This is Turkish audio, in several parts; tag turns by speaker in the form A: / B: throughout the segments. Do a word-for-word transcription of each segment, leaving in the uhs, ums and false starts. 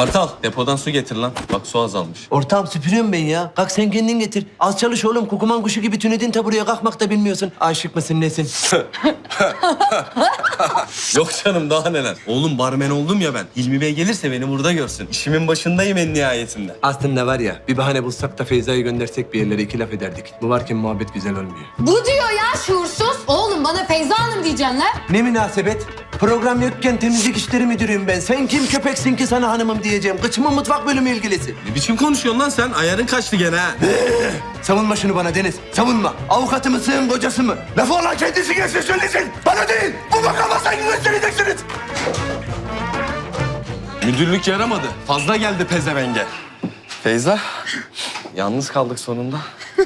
A: Kartal depodan su getir lan. Bak su azalmış.
B: Ortağım süpürüyorum ben ya. Kalk sen kendin getir. Az çalış oğlum. Kukuman kuşu gibi tünedin ta buraya kalkmak da bilmiyorsun. Aşık mısın nesin?
A: Yok canım daha neler. Oğlum barmen oldum ya ben. Hilmi Bey gelirse beni burada görsün. İşimin başındayım en nihayetinde.
B: Aslında var ya bir bahane bulsak da Feyza'yı göndersek bir yerlere iki laf ederdik. Bu varken muhabbet güzel olmuyor.
C: Bu diyor ya şuursuz. Oğlum bana Feyza Hanım diyeceksin lan.
B: Ne münasebet? Program yokken temizlik işleri müdürüyüm ben. Sen kim köpeksin ki sana hanımım diyeceğim. Kıçımın mutfak bölümü ilgilisi.
A: Ne biçim konuşuyorsun lan sen? Ayarın kaçtı gene ha.
B: Savunma şunu bana Deniz. Savunma. Avukatı mısın, kocası mı? Lafı olan kendisi gelsin söylesin. Bana değil. Bu makama saygı göstereceksiniz.
A: Müdürlük yaramadı. Fazla geldi pezevenge. Feyza, yalnız kaldık sonunda.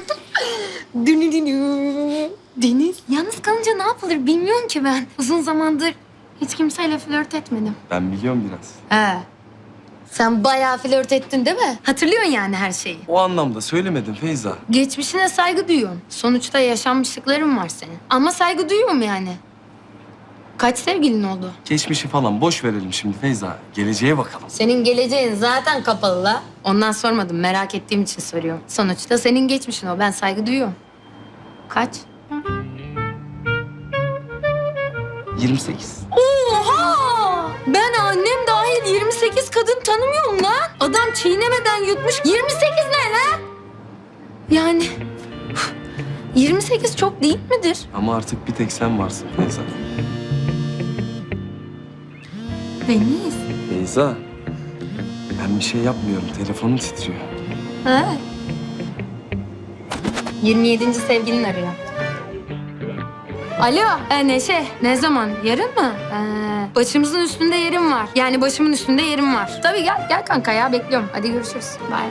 C: Deniz. Yalnız kalınca ne yapılır bilmiyorum ki ben. Uzun zamandır hiç kimseyle flört etmedim.
A: Ben biliyorum biraz.
C: He. Sen bayağı flört ettin değil mi? Hatırlıyorsun yani her şeyi.
A: O anlamda söylemedim Feyza.
C: Geçmişine saygı duyuyorum. Sonuçta yaşanmışlıkların var senin. Ama saygı duyuyorum yani. Kaç sevgilin oldu?
A: Geçmişi falan boş verelim şimdi Feyza. Geleceğe bakalım.
C: Senin geleceğin zaten kapalı la. Ondan sormadım. Merak ettiğim için soruyorum. Sonuçta senin geçmişin o. Ben saygı duyuyorum. Kaç?
A: yirmi sekiz.
C: Oha! Ben annem dahil yirmi sekiz kadın tanımıyorum lan. Adam çiğnemeden yutmuş. yirmi sekiz ne lan? Yani yirmi sekiz çok değil midir?
A: Ama artık bir tek sen varsın Feyza.
C: Deniz.
A: Feyza, ben bir şey yapmıyorum. Telefonum titriyor.
C: Ha. yirmi yedinci sevgilin arıyor. Alo, e, Neşe. Ne zaman? Yarın mı? Ee, başımızın üstünde yerim var. Yani başımın üstünde yerim var. Tabii gel, gel kanka ya. Bekliyorum. Hadi görüşürüz. Bye.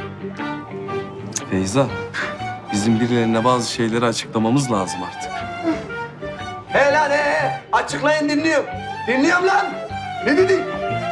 A: Feyza, bizim birilerine bazı şeyleri açıklamamız lazım artık.
B: He lan he. Açıklayın dinliyorum. Dinliyorum lan. Ne dedin?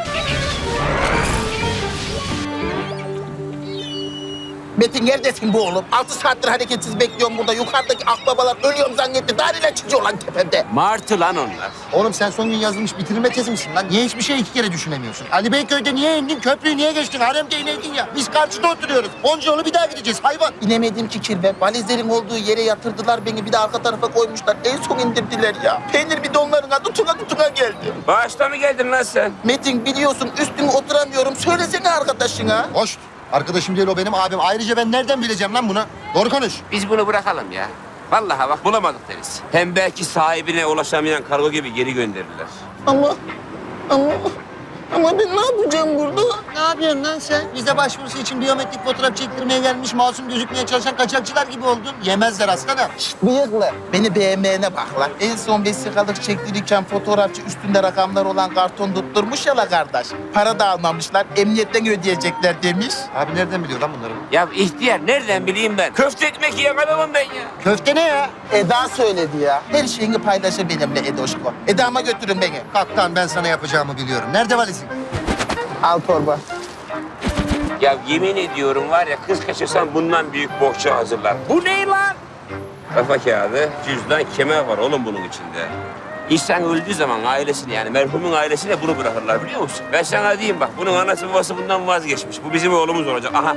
D: Metin neredesin bu oğlum? Altı saattir hareketsiz bekliyorum burada. Yukarıdaki akbabalar ölüyorum zannetti. Daireler çıkıyor lan tepemde.
E: Martı lan onlar.
D: Oğlum sen son gün yazılmış bitirme tezi misin lan? Niye hiçbir şey iki kere düşünemiyorsun? Ali Beyköy'de niye indin? Köprüyü niye geçtin? Haremde ineydin ya. Biz karşıda oturuyoruz. Onca yolu bir daha gideceğiz hayvan. İnemedim ki kirve. Valizlerin olduğu yere yatırdılar beni. Bir de arka tarafa koymuşlar. En son indirdiler ya. Peynir bidonlarına tutuna tutuna geldi.
E: Bağışta mı geldin lan sen?
D: Metin biliyorsun üstüne oturamıyorum. Söylesene arkadaşına.
F: Hoş. Arkadaşım değil o benim abim. Ayrıca ben nereden bileceğim lan bunu? Doğru konuş.
E: Biz bunu bırakalım ya. Vallahi bak bulamadık deriz. Hem belki sahibine ulaşamayan kargo gibi geri gönderirler.
D: Ama, ama, ama ben ne yapacağım burada?
F: Ne yapıyorsun lan sen? Vize başvurusu için biyometrik fotoğraf çektirmeye gelmiş masum gözükmeye çalışan kaçakçılar gibi oldun. Yemezler aslanım.
D: Bıyıklı. Beni beğenmeyene bak lan. En son vesikalık çektirirken fotoğrafçı üstünde rakamlar olan karton tutturmuş ya la kardeş. Para da almamışlar. Emniyetten ödeyecekler demiş.
F: Abi nereden biliyor lan bunları?
E: Ya ihtiyar nereden bileyim ben? Köfte ekmek yiyen adamım ben ya.
F: Köfte ne ya?
D: Eda söyledi ya. Her şeyini paylaşır benimle Edoşko. Eda'ma götürün beni.
F: Kaptan ben sana yapacağımı biliyorum. Nerede valizin?
D: Al torba.
E: Ya yemin ediyorum var ya kız kaçırsan bundan büyük bohça hazırlar. Bu ne lan? Kafa kağıdı, cüzdan, kemer var oğlum bunun içinde. İnsan öldüğü zaman ailesine yani merhumun ailesine bunu bırakırlar biliyor musun? Ben sana diyeyim bak bunun anası babası bundan vazgeçmiş. Bu bizim oğlumuz olacak. Aha.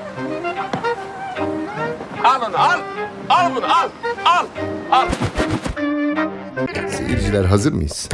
E: Al onu al. Al bunu al. Al. Al.
G: Seyirciler hazır mıyız?